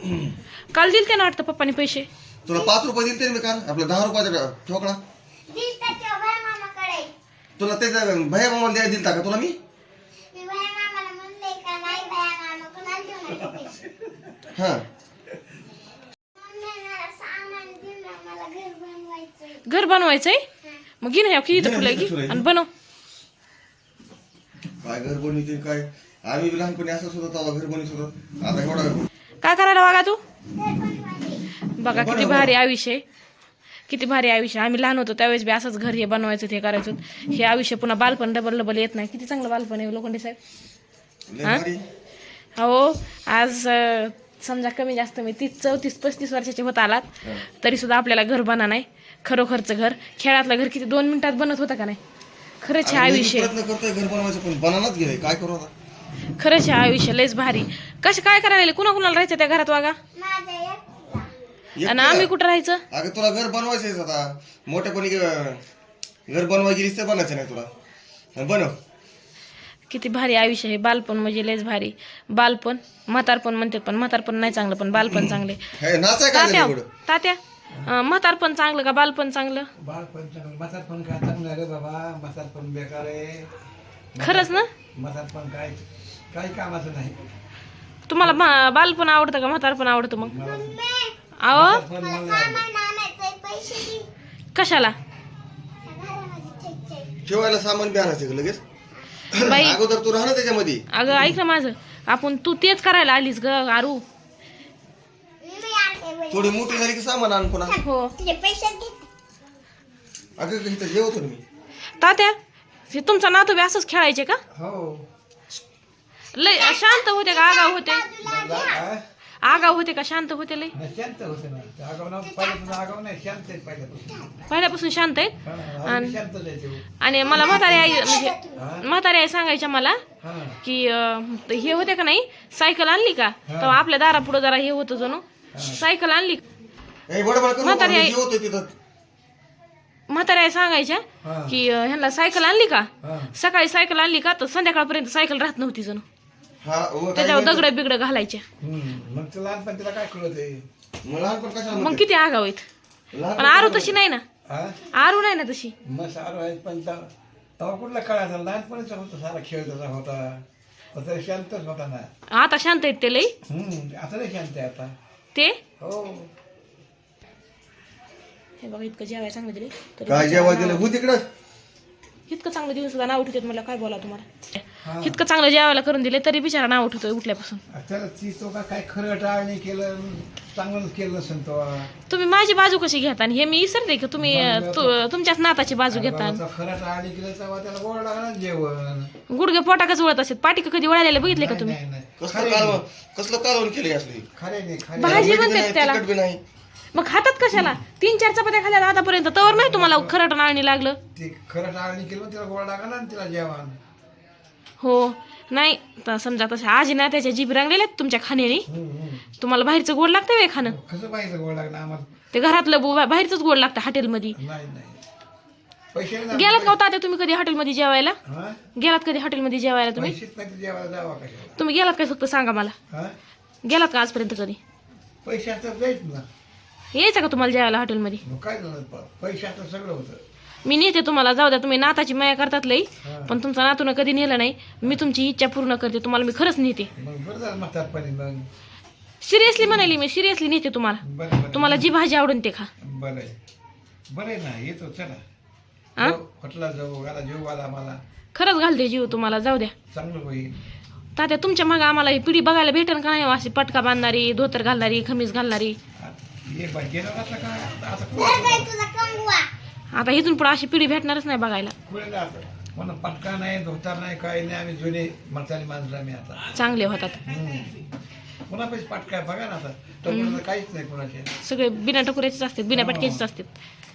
काल दिलते ना वाटतं पप्पानी पैसे. तुला 5 रुपये दिलते मी काल. आपला 10 रुपयाचा ठोकळा तुला त्याचा भैया मामाला द्यायला दिलता का तुला मी? हा घर बनवायचंय मग घे ना की इथं फुलं घे आणि बनव. काय घर बनवते काय. आम्ही बी लहानपणी असंच होतो तेव्हा घर बनवत होतो. आता एवढा काय करायला बघा तू. बघा किती भारी आयुष्य आहे, किती भारी आयुष्य. आम्ही लहान होतो त्यावेळेस बी असंच घर हे बनवायचं हे करायचं. हे आयुष्य पुन्हा बालपण डबल डबल येत नाही. किती चांगलं बालपण आहे लोखंडे साहेब. हा हो आज समजा कमी जास्त मी 34-35 वर्षाचे होत आलात तरी सुद्धा आपल्याला घर बना नाही. खरोखरचं घर खेळातलं घर किती 2 मिनिटात बनत होतं का नाही. खरंच हे आयुष्य प्रयत्न करतोय घर बनवायचं पण बनानाच गेलंय. काय करू आता. खरंच हे आयुष्य लयच भारी. कसं काय करायला कुणा कुणाला राहायचं त्या घरात वागा आणि आम्ही कुठं राहायचं. अगं तुला घर बनवायचंय आता मोठेपणी घर बनवाय गेलीस तर बनायचं नाही तुला. बनव. किती भारी आयुष्य आहे. बालपण म्हणजे लयच भारी. बालपण म्हातारपण म्हणतात पण म्हातारपण नाही चांगलं पण बालपण चांगले. तात्या म्हातारपण चांगलं का बालपण चांगलं. बालपण चांगलं. म्हातारपण काय चांगलं रे बाबा. म्हातारपण बेकार आहे. खरंच ना. म्हातारपण काय काही कामाचं नाही. तुम्हाला बालपण आवडतं का म्हातारपण आवडतं मग. अहो कशाला ठेवायला सामान बी आणायचं लगेच. बाई अगोदर तू राहणार त्याच्यामध्ये. अगं ऐक ना माझं. आपण तू तेच करायला आलीस ग आरू. थोडी मोठी झाली की सामान आण पुन्हा. हो अगं इथं जेवतो मी. तात्या हे तुमचा नातू बी असंच खेळायचे का. हो लय शांत होते का आगाव होते. काय? आगाव होते का शांत होते लय. शांत होते ना. आगाव ना पहिल्यापासून आगाव नाही. शांत आहेत पहिल्यापासून. पहिल्यापासून शांत आहेत. आम्ही शांतच आहे ते. आणि मला म्हातारी आई म्हणजे म्हातारी आई सांगायच्या मला हा की हे होते का नाही सायकल आणली का तेव्हा आपल्या दारापुढं जरा हे होतं जणू सायकल आणली. म्हातारी आई म्हातारी आई सांगायच्या की ह्यांना सायकल आणली का सकाळी सायकल आणली का तर संध्याकाळपर्यंत सायकल राहत नव्हती जणू. त्याच्यावर दगड बिगड घालायच्या. मग ते लहानपण तिला काय कळत आहे. मग किती आगाव आहेत. पण आरू तशी नाही ना. आरू नाही ना तशी. मग सारं आहे पण तेव्हा कुठला कळायचा. लहानपणीचा होता सारा खेळ त्याचा होता. तरी शांतच होता ना. आता शांत आहेत ते लई. आता नाही शांत आहे आता ते. हो हे बघा इतकं जेवायला चांगलं दिले काय जेवायला दिलं हो तिकडं. इतकं चांगलं दिवस सुद्धा नाव उठवतात. मला काय बोला तुम्हाला. इतकं चांगलं जेवायला करून दिले तरी बिचारा नाव उठवतोय उठल्यापासून. त्याला ती तो काय खरं टाळणी केलं चांगलंच केलं नसेल तो. तुम्ही माझी बाजू कशी घेता आणि हे मी विसरते का तुम्ही तुमच्याच नाताची बाजू घेता. खरं टाळणी केलं तेव्हा त्याला गोड लागला जेवण. गुडघे पोटाकच वळत असतात. पाठी कधी वळायला बघितले का तुम्ही. कसलं कालवण केलं असली. खरे नाही खरे भाजी म्हणतात त्याला. तिखट बी नाही. मग खातात कशाला. 3-4 चपात्या खाल्ल्या आतापर्यंत तवर नाही तुम्हाला खरं नाळणी लागलं. ते खरं टाळणी केलं त्याला गोड लागला ना तिला जेवण. हो नाही तर समजा तसं आजी ना त्याच्या जीभ रंगलेल्या तुमच्या खाण्याने. तुम्हाला बाहेरचं गोड लागतं वे खाणं. कसं पाहिजे गोड लागलं आम्हाला. ते घरातलं बाहेरच गोड लागतं हॉटेलमध्ये. नाही नाही पैसे गेलात का तात्या तुम्ही कधी हॉटेलमध्ये जेवायला. गेलात कधी हॉटेलमध्ये जेवायला तुम्ही. पैसेच नाही जेवायला जावा कशाला. तुम्ही गेलात काय फक्त सांगा मला. गेलात का आजपर्यंत कधी. पैसे आता जायच ना. यायचं का तुम्हाला जेवायला हॉटेलमध्ये. काय झालं पैसे आता सगळं होतं. मी नेते तुम्हाला. जाऊ द्या तुम्ही नाताची माया करतात लई पण तुमचा नातून कधी नेलं नाही. मी तुमची इच्छा पूर्ण करते. तुम्हाला मी खरंच नेते. मग बरं झालं म्हातारपणी मग. सिरियसली म्हणाली मी सिरियसली नेते तुम्हाला. बरं तुम्हाला जी भाजी आवडून ते खा. बरं आहे बरं आहे ना. येतो चला हॉटेलला जाऊ. आला जेव आला आम्हाला. खरंच घालते जीव तुम्हाला. जाऊ द्या चांगलं होईल. तात्या तुमच्या मागं आम्हाला ही पिढी बघायला भेटेल का नाही. अशी पटका बांधणारी धोतर घालणारी खमीस घालणारी. आता इथून पुढे अशी पिढी भेटणारच नाही बघायला. म्हणून पटका नाही धोतर नाही काही नाही. आम्ही जुने म्हातारी माणसं आम्ही आता चांगले होतात. पुन्हा पैसे पटका बघा ना आता. काहीच नाही कोणाचे. सगळे बिना टकुऱ्याचेच असतात बिना पटक्याचेच असतात.